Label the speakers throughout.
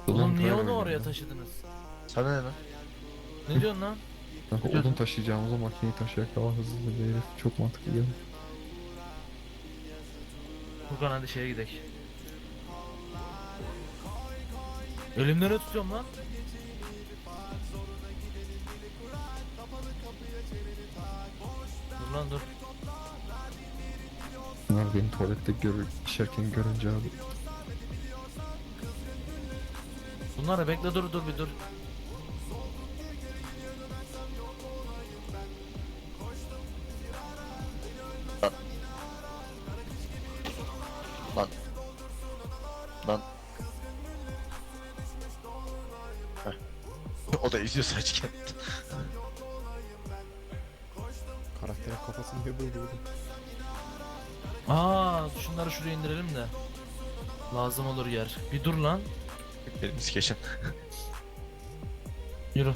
Speaker 1: Oğlum niye
Speaker 2: Drive
Speaker 1: onu oraya
Speaker 2: oynayayım
Speaker 1: taşıdınız?
Speaker 3: Sana ne lan?
Speaker 1: Ne diyorsun lan?
Speaker 2: ben. Kanka odun taşıyacağımıza makineyi taşıyarak daha hızlı bir herif. Çok mantıklı geldi.
Speaker 1: Furkan hadi şeye gidelim. Elimden ne tutuyorum lan? Dur lan dur.
Speaker 2: Bunlar beni tuvalette işerken görünce abi.
Speaker 1: Bunları bekle dur bir dur.
Speaker 3: Lan. Lan. Heh. O da izliyor saçken.
Speaker 4: Karakterin kafası niye böyle oldu?
Speaker 1: Aa şunları şuraya indirelim de. Lazım olur yer. Bir dur lan.
Speaker 3: Benim skeçim.
Speaker 1: Yürü.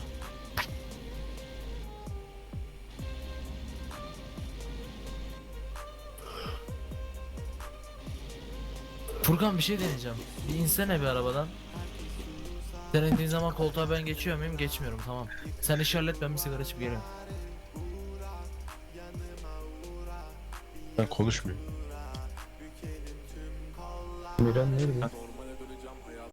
Speaker 1: Furkan bir şey deneyeceğim. Bir insene bir arabadan. Sen indiğin zaman koltuğa ben geçiyor muyum? Geçmiyorum tamam. Sen işaret ben bir sigara içip geliyorum.
Speaker 3: Ben konuşmuyorum.
Speaker 2: Miran nerede?